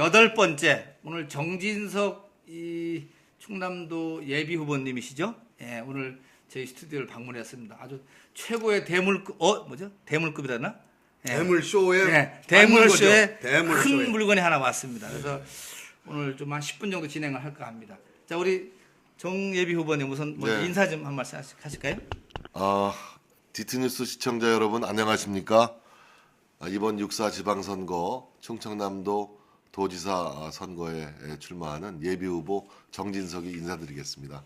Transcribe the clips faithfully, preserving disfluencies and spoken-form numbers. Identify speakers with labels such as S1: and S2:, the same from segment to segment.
S1: 여덟 번째 오늘 정진석 이 충남도 예비 후보님이시죠? 예, 오늘 저희 스튜디오를 방문했습니다. 아주 최고의 대물급 어 뭐죠? 대물급이라나? 예.
S2: 대물쇼에
S1: 예, 대물쇼에
S2: 대물쇼에.
S1: 큰 물건이 하나 왔습니다. 그래서 오늘 좀 한 십 분 정도 진행을 할까 합니다. 자, 우리 정 예비 후보님 우선 먼저
S3: 네.
S1: 인사 좀 한 말씀 하시- 하실까요?
S3: 아, 디티뉴스 시청자 여러분 안녕하십니까? 아, 이번 육사 지방선거 충청남도 도지사 선거에 출마하는 예비후보 정진석이 인사드리겠습니다.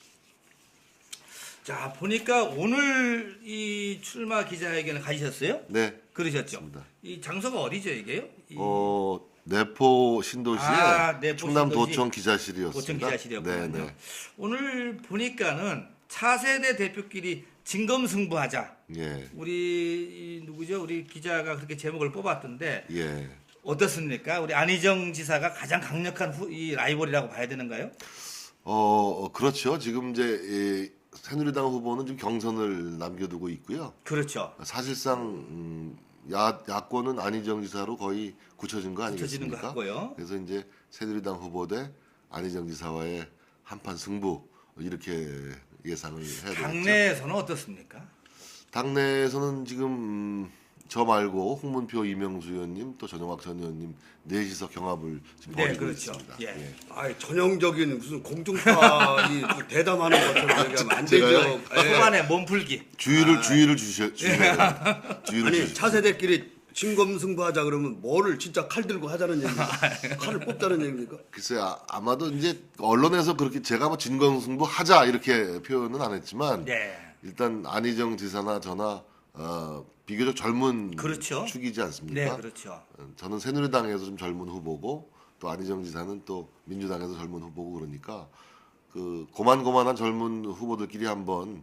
S1: 자, 보니까 오늘 이 출마 기자회견을 가지셨어요?
S3: 네,
S1: 그러셨죠?
S3: 맞습니다.
S1: 이 장소가 어디죠, 이게요? 이
S3: 어, 내포 신도시의
S1: 아, 내포
S3: 충남도청
S1: 신도시
S3: 기자실이었습니다.
S1: 도청 기자실이었군요.
S3: 네, 네.
S1: 오늘 보니까는 차세대 대표끼리 진검승부하자.
S3: 예,
S1: 우리 이 누구죠? 우리 기자가 그렇게 제목을 뽑았던데
S3: 예.
S1: 어떻습니까? 우리 안희정 지사가 가장 강력한 후, 이 라이벌이라고 봐야 되는가요?
S3: 어, 그렇죠. 지금 이제 이 새누리당 후보는 지금 경선을 남겨두고 있고요.
S1: 그렇죠.
S3: 사실상 음, 야, 야권은 안희정 지사로 거의 굳혀진 거
S1: 굳혀지는 것
S3: 아니겠습니까?
S1: 같고요.
S3: 그래서 이제 새누리당 후보 대 안희정 지사와의 한판 승부 이렇게 예상을 해야 되겠죠.
S1: 당내에서는 어떻습니까?
S3: 당내에서는 지금 음, 저 말고 홍문표 이명수 의원님 또 전영학 전 의원님 넷이서 경합을 지금
S1: 네,
S3: 벌이고
S1: 그렇죠.
S3: 있습니다.
S1: 예.
S3: 예.
S2: 아이 전형적인 무슨 공중파 이 대담하는 것처럼 얘기하면 안 되죠.
S3: 제가요?
S2: 예.
S1: 초반에 몸풀기.
S3: 주의를 주의를 주셔 주셔야 돼요. 주의를
S2: 아니
S3: 주십시오.
S2: 차세대끼리 진검승부하자 그러면 뭐를 진짜 칼 들고 하자는 얘기입니까? 칼을 뽑자는 얘기입니까?
S3: 글쎄 아, 아마도 이제 언론에서 그렇게 제가 뭐 진검승부 하자 이렇게 표현은 안 했지만
S1: 네.
S3: 일단 안희정 지사나 저나 어, 비교적 젊은
S1: 그렇죠.
S3: 축이지
S1: 네,
S3: 않습니까?
S1: 그렇죠.
S3: 어, 저는 새누리당에서 좀 젊은 후보고 또 안희정 지사는 또 민주당에서 젊은 후보고 그러니까 그 고만고만한 젊은 후보들끼리 한번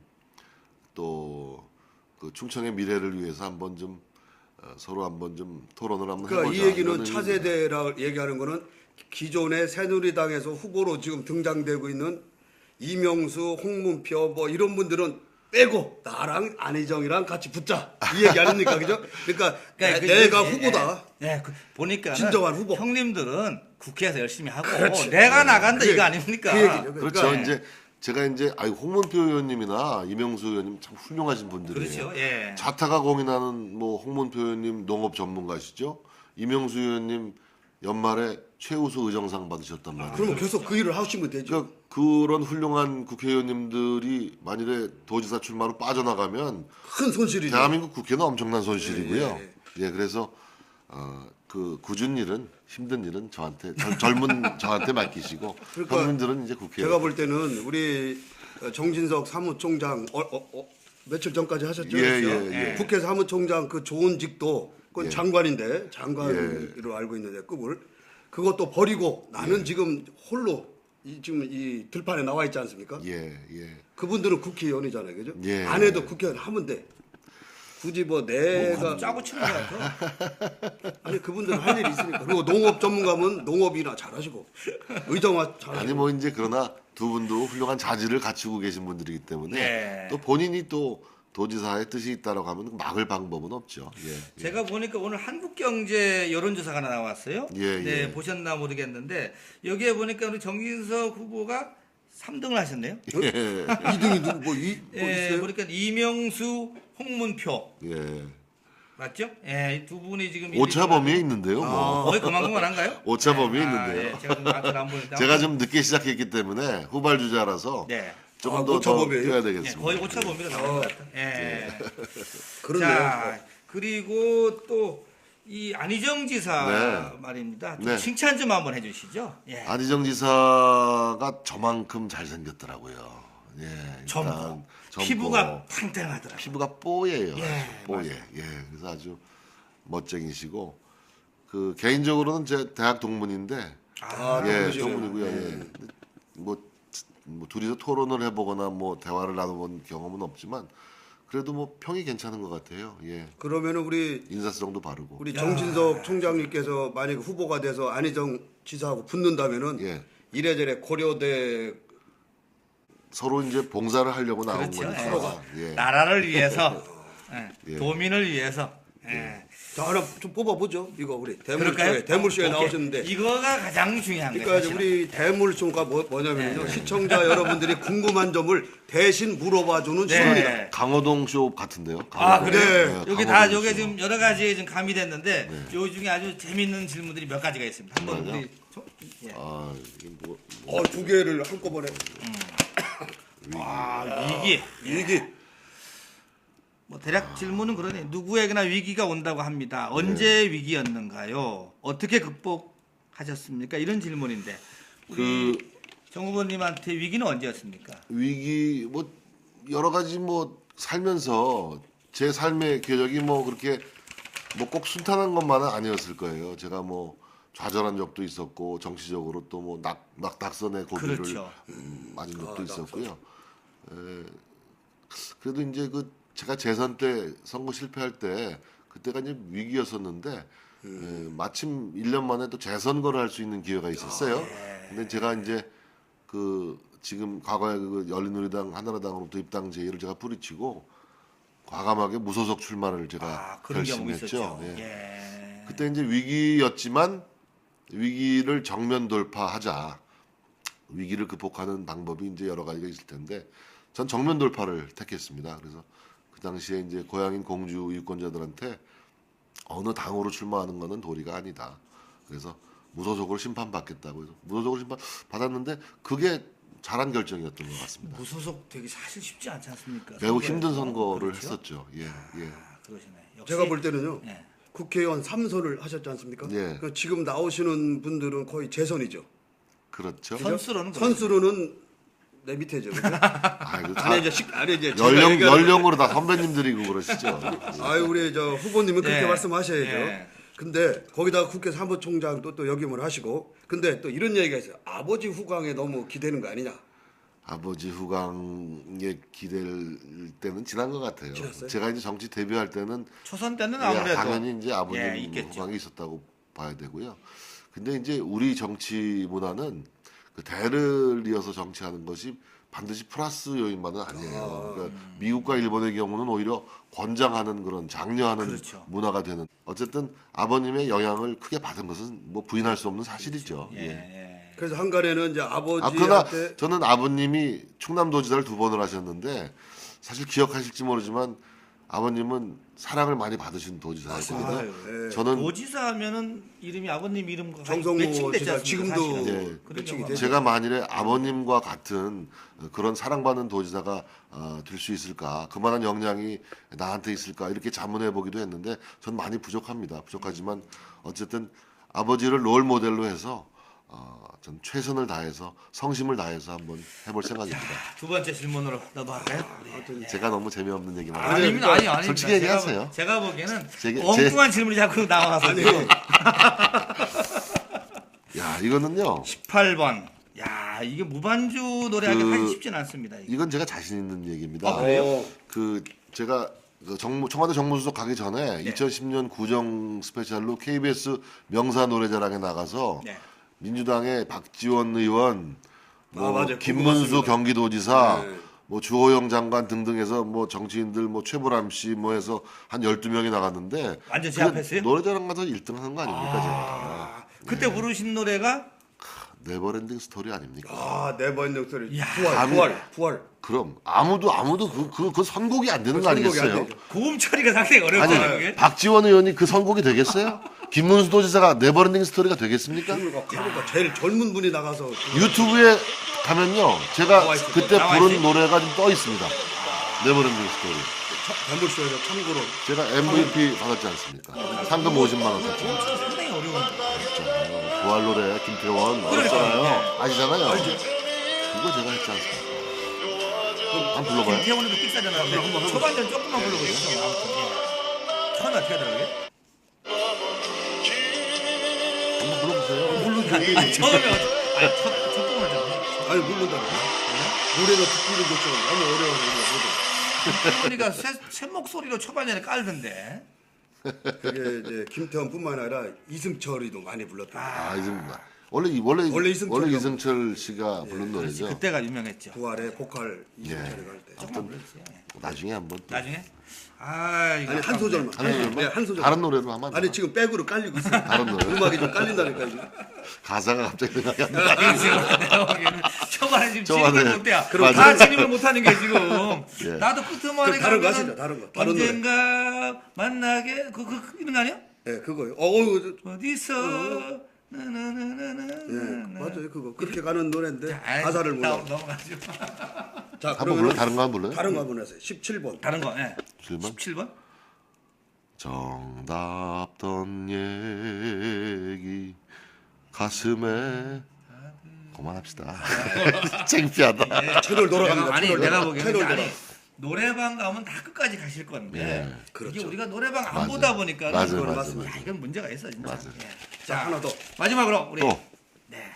S3: 또 그 충청의 미래를 위해서 한번 좀 어, 서로 한번 좀 토론을 한번
S2: 그러니까
S3: 해보자.
S2: 이 얘기는
S3: 이런
S2: 차세대라 얘기하는 거는 기존의 새누리당에서 후보로 지금 등장되고 있는 이명수, 홍문표 뭐 이런 분들은 빼고 나랑 안희정이랑 같이 붙자 이 얘기 아닙니까, 그죠? 그러니까,
S1: 그러니까
S2: 내-
S1: 그-
S2: 내가
S1: 예,
S2: 후보다.
S1: 예, 예, 그 보니까
S2: 진정한 후보.
S1: 형님들은 국회에서 열심히 하고
S2: 그렇지.
S1: 내가 나간다
S2: 그-
S1: 이거 아닙니까?
S2: 그 얘기죠.
S3: 그렇죠.
S2: 그러니까
S3: 이제 제가 이제 아이 홍문표 의원님이나 이명수 의원님 참 훌륭하신 분들이에요.
S1: 그렇죠. 예.
S3: 자타가 공인하는 뭐 홍문표 의원님 농업 전문가시죠. 이명수 의원님 연말에 최우수 의정상 받으셨단 말이에요.
S2: 그러면 계속 그 일을 하시면 되죠.
S3: 그러니까 그런 훌륭한 국회의원님들이 만일에 도지사 출마로 빠져나가면
S2: 큰 손실이죠.
S3: 대한민국 국회는 엄청난 손실이고요.
S2: 예,
S3: 예, 그래서 어, 그 굳은 일은 힘든 일은 저한테 젊- 젊은 저한테 맡기시고
S2: 그러니까
S3: 형님들은 이제 국회에
S2: 제가 볼 때는 우리 정진석 사무총장 어, 어, 어, 며칠 전까지 하셨죠.
S3: 예,
S2: 그렇죠?
S3: 예, 예.
S2: 국회 사무총장 그 좋은 직도 그건
S3: 예.
S2: 장관인데 장관으로
S3: 예.
S2: 알고 있는데 급을 그것도 버리고 나는 지금 홀로 이, 지금 이 들판에 나와 있지 않습니까?
S3: 예, 예.
S2: 그분들은 국회의원이잖아요, 그죠?
S3: 예.
S2: 안 해도 국회의원 하면 돼. 굳이 뭐 내가
S1: 짜고 치는 것 같아.
S2: 아니 그분들은 할 일이 있으니까 그리고 농업 전문가면 농업이나 잘하시고 의정화 잘하시고
S3: 아니 뭐 이제 그러나 두 분도 훌륭한 자질을 갖추고 계신 분들이기 때문에
S1: 네.
S3: 또 본인이 또 도지사의 뜻이 있다라고 하면 막을 방법은 없죠. 예. 예.
S1: 제가 보니까 오늘 한국경제 여론조사가 하나 나왔어요.
S3: 예,
S1: 네,
S3: 예.
S1: 보셨나 모르겠는데 여기에 보니까 우리 정진석 후보가 삼 등을 하셨네요.
S2: 이 등이 누구 뭐, 이, 뭐
S1: 예,
S2: 있어요?
S1: 보니까 이명수, 홍문표
S3: 예.
S1: 맞죠? 예, 이 두 분이 지금
S3: 오차 범위에 있는데요. 뭐.
S1: 거의 그만큼만한가요?
S3: 오차 범위에
S1: 아,
S3: 있는데요.
S1: 예, 제가 좀 아직 안 보는데
S3: 제가 좀 늦게 시작했기 때문에 후발주자라서
S1: 네.
S3: 조금
S2: 아,
S3: 더,
S2: 오차
S3: 더
S2: 범위예요?
S3: 뛰어야
S1: 예,
S3: 되겠습니다.
S1: 거의 오차 범위로 나온 것 같아요. 예.
S2: 그러네요.
S1: 자, 그리고 또 이 안희정 지사
S3: 네.
S1: 말입니다. 좀
S3: 네.
S1: 칭찬 좀 한번 해주시죠. 예.
S3: 안희정 지사가 저만큼 잘생겼더라고요. 예, 일단
S1: 젊고
S3: 젊고
S1: 피부가 팽팽하더라고요.
S3: 피부가 뽀예요.
S1: 예,
S3: 아주 뽀예. 예, 그래서 아주 멋쟁이시고 그 개인적으로는 제 대학 동문인데
S2: 아,
S3: 예,
S2: 동문이시네요.
S3: 동문이고요. 예. 뭐, 뭐 둘이서 토론을 해보거나 뭐 대화를 나눠본 경험은 없지만 그래도 뭐 평이 괜찮은 것 같아요. 예,
S2: 그러면은 우리
S3: 인사성도 바르고.
S2: 우리 정진석 총장님께서 만약에 후보가 돼서 안희정 지사하고 붙는다면은
S3: 예.
S2: 이래저래 고려대
S3: 서로 이제 봉사를 하려고 나온
S1: 그렇죠.
S3: 거니까.
S1: 예.
S3: 예.
S1: 나라를 위해서, 예,
S3: 예.
S1: 도민을 위해서. 예.
S2: 자 하나 좀 뽑아보죠. 이거 우리
S1: 그럴까요?
S2: 대물쇼에 대물쇼에
S1: 오케이.
S2: 나오셨는데.
S1: 이거가 가장 중요한 거예요.
S2: 그러니까
S1: 사실은.
S2: 우리 대물쇼가 뭐, 뭐냐면요.
S1: 네.
S2: 시청자 여러분들이 궁금한 점을 대신 물어봐주는
S1: 네.
S2: 시간이다.
S3: 강호동 쇼 같은데요.
S1: 아
S3: 강호동.
S1: 그래요?
S2: 네,
S1: 여기
S3: 강호동
S1: 다 요게
S3: 쇼.
S1: 지금 여러 가지 좀 가미됐는데 요 중에 아주 재밌는 질문들이 몇 가지가 있습니다. 한번
S3: 맞아요?
S1: 우리 저- 예.
S3: 아 이게 뭐
S2: 어, 두 개를 한꺼번에.
S1: 아 위기.
S2: 이게
S1: 뭐 대략 질문은 그러네. 누구에게나 위기가 온다고 합니다. 언제 위기였는가요? 어떻게 극복하셨습니까? 이런 질문인데 우리 정 후보님한테 위기는 언제였습니까?
S3: 위기 뭐 여러 가지 뭐 살면서 제 삶의 궤적이 뭐 그렇게 뭐 꼭 순탄한 것만은 아니었을 거예요. 제가 뭐 좌절한 적도 있었고 정치적으로 또 뭐 낙 낙닥선의 고비를
S1: 그렇죠.
S3: 음, 맞은 적도 있었고요. 에, 그래도 이제 그 제가 재선 때 선거 실패할 때 그때가 이제 위기였었는데 에, 마침 일 년 만에 또 재선거를 할 수 있는 기회가 있었어요. 근데 제가 이제 그 지금 과거에 그 열린우리당 한나라당으로부터 입당 제의를 제가 뿌리치고 과감하게 무소속 출마를 제가
S1: 아 그런 경험이
S3: 결심했죠.
S1: 있었죠.
S3: 예.
S1: 예.
S3: 그때 이제 위기였지만 위기를 정면 돌파하자. 위기를 극복하는 방법이 이제 여러 가지가 있을 텐데 전 정면 돌파를 택했습니다. 그래서 그 당시에 이제 고향인 공주 유권자들한테 어느 당으로 출마하는 것은 도리가 아니다. 그래서 무소속으로 심판받겠다고 해서 무소속으로 심판 받았는데 그게 잘한 결정이었던 것 같습니다.
S1: 무소속 되기 사실 쉽지 않지 않습니까?
S3: 매우
S1: 선거에서.
S3: 힘든 선거를
S1: 그렇죠?
S3: 했었죠. 예, 예.
S1: 아, 그러시네. 역시
S2: 제가 볼 때는요.
S1: 예.
S2: 국회의원 삼 선을 하셨지 않습니까?
S3: 예.
S2: 그러니까 지금 나오시는 분들은 거의 재선이죠.
S3: 그렇죠.
S2: 그죠?
S1: 선수로는
S2: 선수로는 내 밑에죠. 그죠?
S3: 아이고, 다
S2: 안에 이제 식 안에 이제 제가
S3: 연령
S2: 얘기하는-
S3: 연령으로 다 선배님들이고 그러시죠.
S2: 아유 우리 저 후보님은 그렇게
S1: 예.
S2: 말씀하셔야죠.
S1: 예.
S2: 근데 거기다가 국회 사무총장도 또 역임을 하시고 근데 또 이런 얘기가 있어요. 아버지 후광에 너무 기대는 거 아니냐.
S3: 아버지 후광에 기댈 때는 지난 것 같아요.
S2: 지났어요?
S3: 제가 이제 정치 데뷔할 때는
S1: 초선 때는
S3: 예,
S1: 아무래도
S3: 당연히 이제 아버님
S1: 예, 있겠죠.
S3: 후광이 있었다고 봐야 되고요. 근데 이제 우리 정치 문화는 그 대를 이어서 정치하는 것이 반드시 플러스 요인만은 아니에요. 그러니까 미국과 일본의 경우는 오히려 권장하는 그런 장려하는
S1: 그렇죠.
S3: 문화가 되는. 어쨌든 아버님의 영향을 크게 받은 것은 뭐 부인할 수 없는 사실이죠.
S1: 예,
S3: 예.
S1: 예.
S2: 그래서 한간에는 이제
S3: 아, 그러나
S2: 아버지한테
S3: 저는 아버님이 충남도지사를 두 번을 하셨는데 사실 기억하실지 모르지만 아버님은 사랑을 많이 받으신 도지사였거든요.
S1: 아유,
S2: 예.
S3: 저는
S1: 도지사 하면은 이름이 아버님 이름과
S2: 정성모
S1: 매칭됐지
S2: 지사
S1: 않습니까?
S2: 지금도
S1: 사실은.
S3: 예.
S1: 그런
S2: 매칭이
S1: 경우가
S2: 되죠.
S3: 제가 만일에 아버님과 같은 그런 사랑받는 도지사가 어, 될 수 있을까, 그만한 역량이 나한테 있을까 이렇게 자문해 보기도 했는데 전 많이 부족합니다. 부족하지만 어쨌든 아버지를 롤 모델로 해서 어, 전 최선을 다해서 성심을 다해서 한번 해볼 생각입니다.
S1: 두 번째 질문으로 넘어갈까요? 네.
S3: 제가 너무 재미없는 얘기만
S1: 아, 아닙니다, 아니, 아닙니다.
S3: 솔직히 얘기하세요.
S1: 제가, 제가 보기에는
S3: 제게-
S1: 엉뚱한 질문이 자꾸 나와서
S2: 아니
S3: 야 이거는요.
S1: 십팔 번. 야 이게 무반주 노래하기
S3: 그-
S1: 하기 쉽진 않습니다. 이게.
S3: 이건 제가 자신 있는 얘기입니다.
S1: 아, 그래요?
S2: 어,
S3: 그 제가 그 정무, 청와대 정무수석 가기 전에
S1: 네.
S3: 이천십 년 구정 스페셜로 케이비에스 명사 노래자랑에 나가서
S1: 네.
S3: 민주당의 박지원 의원, 뭐
S2: 아, 맞아요.
S3: 김문수
S2: 궁금했습니다.
S3: 경기도지사,
S2: 네.
S3: 뭐 주호영 장관 등등해서 뭐 정치인들 뭐 최보람 씨 뭐 해서 한 열두 명이 나갔는데
S1: 완전
S3: 그
S1: 제압했어요?
S3: 노래자랑 가서 일 등 하는 거 아닙니까 제가.
S1: 아, 그때 부르신 노래가
S3: 네버랜딩 스토리 아닙니까?
S2: 아 네버엔딩 스토리
S1: 야,
S2: 부활
S3: 감히-
S2: 부활 부활
S3: 그럼 아무도 아무도 그 그 그 선곡이 안 되는
S2: 그
S3: 거
S2: 선곡이 안
S3: 아니겠어요?
S2: 되죠.
S1: 고음 처리가 상당히
S3: 아니
S1: 어렵잖아요. 그게.
S3: 박지원 의원이 그 선곡이 되겠어요? 김문수 도지사가 네버랜딩 스토리가 되겠습니까?
S2: 그러니까 그러니까 제일 젊은 분이 나가서
S3: 유튜브에 가면요 제가
S2: 나와 있을
S3: 그때
S1: 나와
S3: 부른
S1: 있어요?
S3: 노래가 좀 떠 있습니다. 네버랜딩 스토리.
S2: 대물쇼에서 참고로
S3: 제가 엠브이피 받았지 않습니까? 상금 오십만 원 탔죠.
S1: 상당히 어려운.
S3: 부활 노래 김태원
S1: 그러니까요.
S3: 나왔잖아요. 아시잖아요. 그거 제가 했지 않습니까? 한번 불러봐요.
S1: 김태원에도 삑사잖아요. 초반전 조금만 불러보겠어. 아무튼 예. 처음에 어떻게 하더라고요?
S3: 한번 불러보세요.
S2: 모르는데
S1: 아니, 처음에 어떻게? 아니 첫, 첫 부분을 좀 해.
S2: 아니 모른다 노래가 듣기는 좋죠 너무 어려워
S1: 태원이가 새, 새 목소리로 초반전에 깔던데.
S2: 그게 이제 김태원뿐만 아니라 이승철이도 많이 불렀다
S3: 아 이승철 원래 이- 원래
S2: 원래 이승철이요.
S3: 원래 이승철 씨가 부른 노래죠.
S1: 그때가 유명했죠.
S2: 부활의 보컬 이승철이
S3: 예.
S2: 갈때
S1: 조금만 불러주세요. 예.
S3: 나중에 한번 또.
S1: 나중에 아, 이거
S2: 아니 한 소절만.
S3: 한 소절만?
S2: 네, 한 소절.
S3: 다른 노래로 하면 안
S2: 아니
S3: 되나?
S2: 지금 백으로 깔리고 있어요.
S3: 다른 노래.
S2: 음악이 좀 깔린다니까 지금.
S3: 가사가 갑자기 생각이 안 나.
S1: 이거 지금 내가 보기에는 초반에 지금
S3: 초반에.
S1: 진입을 못해요.
S3: 그럼
S1: 다 진입을 못하는 게 지금.
S3: 예.
S1: 나도 끝머리
S2: 그럼 다른 거
S1: 가면은
S2: 하시죠, 다른 거. 다른 노래.
S1: 언젠가 만나게 그, 그 이런 거 아니야?
S2: 네, 그거요. 어, 어,
S1: 어디서 나나나나나.
S2: 네, 맞아요. 그거 그렇게 가는 노래인데
S1: 아이,
S2: 가사를 몰라.
S1: 넘- 넘어가죠.
S2: 자,
S3: 한번 불러?
S2: 그러면
S3: 다른 거 한번 불러요?
S2: 다른 거 한번 하세요. 십칠 번.
S1: 다른 거. 예.
S3: 칠 번?
S1: 십칠 번?
S3: 정답던 얘기 가슴에 그만합시다. 창피하다.
S2: 채널 돌아갑니다.
S1: 내가, 아니
S2: 채널
S1: 내가
S2: 돌아-
S1: 보기에는
S2: 채널
S1: 아니
S2: 돌아.
S1: 노래방 가면 다 끝까지 가실 건데
S3: 예.
S1: 이게
S2: 그렇죠.
S1: 우리가 노래방 안
S3: 맞아요.
S1: 보다 보니까
S3: 맞아요,
S1: 이건
S3: 맞아요.
S2: 맞습니다.
S1: 야, 이건 문제가 있어 진짜.
S3: 맞아요.
S1: 예.
S2: 자, 하나 더.
S1: 마지막으로 우리
S3: 또.
S1: 네.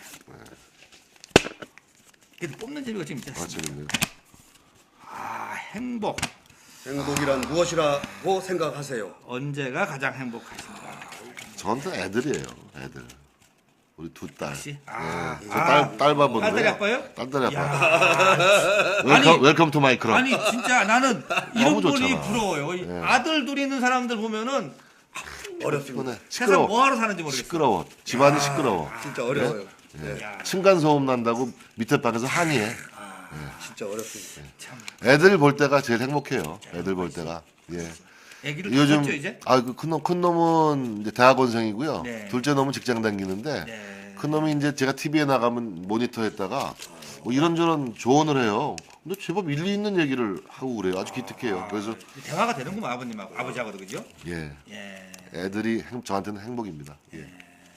S1: 그래도 뽑는 재미가 지금 있지
S3: 아, 재밌네요.
S1: 아 행복
S2: 행복이란 무엇이라고 생각하세요?
S1: 언제가 가장 행복하신가?
S3: 저한테 애들이에요. 애들. 우리 두 딸.
S1: 혹시?
S3: 예.
S1: 아,
S3: 저
S1: 아.
S3: 딸, 딸 봐보는
S1: 딸딸이 아빠요?
S3: 딸딸이 아빠.
S1: 야,
S3: 웰컴,
S1: 아니,
S3: 웰컴 투 마이 클럽.
S1: 아니 진짜 나는 이런 분이
S3: 좋잖아.
S1: 부러워요. 이
S3: 예.
S1: 아들 둘 있는 사람들 보면은
S2: 어렵습니다.
S3: 피곤해.
S1: 세상
S3: 시끄러워.
S1: 뭐하러 사는지 모르겠어.
S3: 시끄러워. 집안이 시끄러워.
S2: 진짜 어려워요. 네,
S1: 야,
S3: 층간 소음 난다고 밑에 방에서 항의해.
S2: 진짜 어렵습니다.
S1: 참.
S3: 애들 볼 때가 제일 행복해요. 애들 볼 때가. 예.
S1: 애기를
S3: 요즘
S1: 키웠죠 이제?
S3: 아그큰 놈, 큰 놈은 이제 대학원생이고요.
S1: 네.
S3: 둘째 놈은 직장 다니는데
S1: 네.
S3: 큰 놈이 이제 제가 티비에 나가면 모니터했다가 뭐 이런저런 조언을 해요. 근데 제법 일리 있는 얘기를 하고 그래요. 아주 기특해요. 그래서
S1: 대화가 되는구만 아버님하고 아버지하고도 그죠?
S3: 예.
S1: 예.
S3: 애들이 행, 저한테는 행복입니다. 예.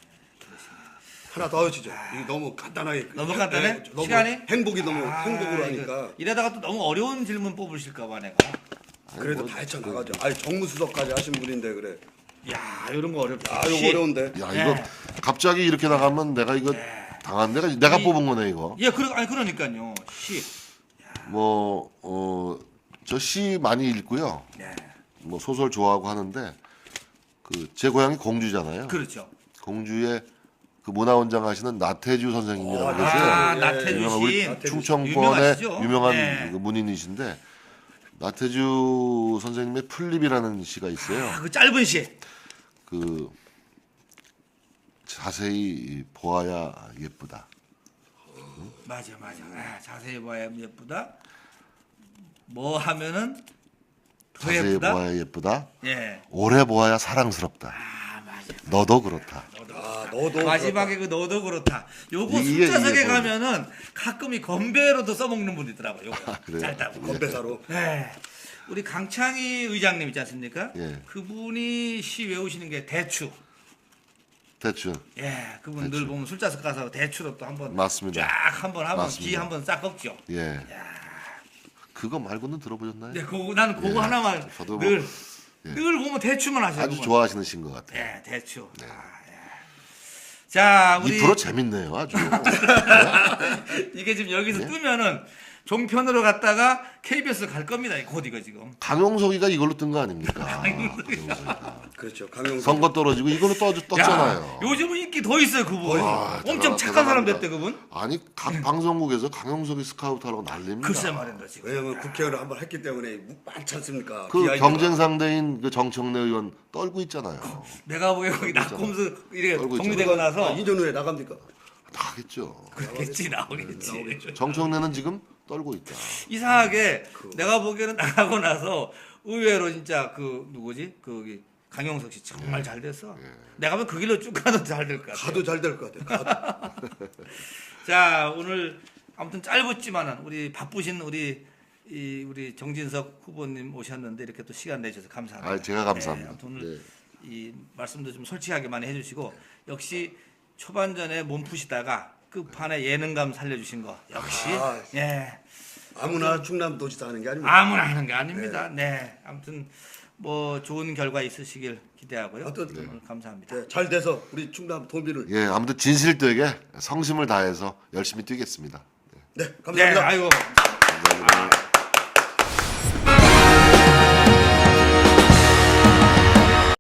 S2: 하나 더 하시죠. 이게 너무 간단하게.
S1: 너무 간단해?
S2: 네, 너무
S1: 시간이?
S2: 행복이 너무
S1: 아,
S2: 행복으로
S1: 이거
S2: 하니까.
S1: 이러다가 또 너무 어려운 질문 뽑으실까봐 내가.
S2: 그래도
S3: 뭐,
S2: 다 헤쳐나가죠. 아니 정무수석까지 하신 분인데 그래.
S1: 야 이런 거 어렵다.
S2: 아 이거 어려운데.
S3: 야
S1: 네.
S3: 이거 갑자기 이렇게 나가면 내가 이거 당한 내가 내가
S1: 이-
S3: 뽑은 거네 이거.
S1: 예, 그러 아니 그러니까요. 시.
S3: 뭐 어 저 시 많이 읽고요.
S1: 네.
S3: 뭐 소설 좋아하고 하는데 그 제 고향이 공주잖아요.
S1: 그렇죠.
S3: 공주의 그 문화원장 하시는 나태주 선생님이라고
S2: 어,
S3: 계세요.
S1: 아,
S2: 예,
S1: 나태주
S3: 유명한 우리
S1: 씨.
S2: 나태주
S3: 충청권의
S1: 유명하시죠?
S3: 유명한
S1: 네.
S3: 그 문인이신데 나태주 선생님의 풀립이라는 시가 있어요.
S1: 아, 그 짧은 시.
S3: 그 자세히 보아야 예쁘다.
S1: 맞아, 맞아. 아, 자세히 봐야 예쁘다. 뭐 하면은 더
S3: 자세히
S1: 예쁘다.
S3: 보아야 예쁘다.
S1: 예.
S3: 오래 보아야 사랑스럽다.
S1: 아, 맞아.
S3: 너도 그렇다.
S2: 아 너도
S1: 마지막에 그 너도 그렇다. 요거
S3: 이게-
S1: 숫자석에
S3: 이게 뭐-
S1: 가면은 가끔 이 건배로도 써먹는 분이 있더라고요. 요거.
S3: 아, 그래요?
S1: 짧다고.
S2: 건배사로.
S1: 네. 우리 강창희 의장님 있지 않습니까?
S3: 예.
S1: 그분이 시 외우시는 게 대추.
S3: 대충
S1: 예, 그분 늘 보면 술자석 가서 대추로 또 한번
S3: 맞습니다.
S1: 쫙 한번 하면
S3: 맞습니다.
S1: 기 한번 싹 꺾죠.
S3: 예. 그거 말고는 들어보셨나요?
S1: 네, 그거 나는 그거
S3: 예.
S1: 하나만
S3: 저도 뭐-
S1: 늘,
S3: 예.
S1: 늘 보면 대추만 하셔요.
S3: 아주
S1: 그분.
S3: 좋아하시는 시인 것 같아요.
S1: 예, 대추. 아, 예. 자, 우리
S3: 이 프로 재밌네요, 아주.
S1: 이게 지금 여기서
S3: 예?
S1: 뜨면은 종편으로 갔다가 케이비에스 갈 겁니다. 곧 이거 지금.
S3: 강용석이가 이걸로 뜬 거 아닙니까? 강용석이가.
S2: 그렇죠. 강용석.
S3: 선거 떨어지고 이걸로 떠, 떴잖아요.
S1: 야, 요즘은 인기 더 있어요, 그분.
S3: 와,
S1: 엄청
S3: 대단하-
S1: 착한 사람
S3: 대단합니다.
S1: 됐대, 그분.
S3: 아니 각 방송국에서 강용석이 스카우트하라고 난립니다.
S1: 글쎄 말입니다, 지금.
S2: 왜냐면 국회의원을 한번 했기 때문에 많지 않습니까?
S3: 그
S2: 비하인드가.
S3: 경쟁 상대인 그 정청래 의원 떨고 있잖아요.
S1: 내가 보기에 거기 낙곰수 이렇게
S3: 떨고
S1: 정리되고
S2: 아,
S1: 나서
S2: 이 년 후에 나갑니까?
S3: 나겠죠.
S1: 그렇겠지, 나오겠지.
S3: 정청래는 지금 떨고 있다.
S1: 이상하게 내가 보기에는 나가고 나서 의외로 진짜 그 누구지? 그 강용석 씨 정말 잘 됐어. 내가 보면 그 길로 쭉 가도 잘 될 것 같아.
S2: 가도 잘 될 것 같아요. 가도.
S1: 자, 오늘 아무튼 짧았지만은 우리 바쁘신 우리 이 우리 정진석 후보님 오셨는데 이렇게 또 시간 내주셔서 감사합니다.
S3: 아, 제가 감사합니다.
S1: 네, 아무튼 오늘
S3: 네.
S1: 이 말씀도 좀 솔직하게 많이 해주시고 역시 초반전에 몸 푸시다가 끝판에 예능감 살려주신 거 역시
S2: 아.
S1: 예
S2: 아무나 충남도지사 하는 게 아닙니다.
S1: 아무나 하는 게 아닙니다. 네, 아무튼 뭐 좋은 결과 있으시길 기대하고요.
S2: 어떤-
S1: 오늘 감사합니다.
S2: 네, 잘 돼서 우리 충남 도민을.
S3: 예, 아무튼 진실되게 성심을 다해서 열심히 뛰겠습니다.
S2: 네,
S1: 네,
S2: 감사합니다.
S1: 아이고.
S3: 감사합니다.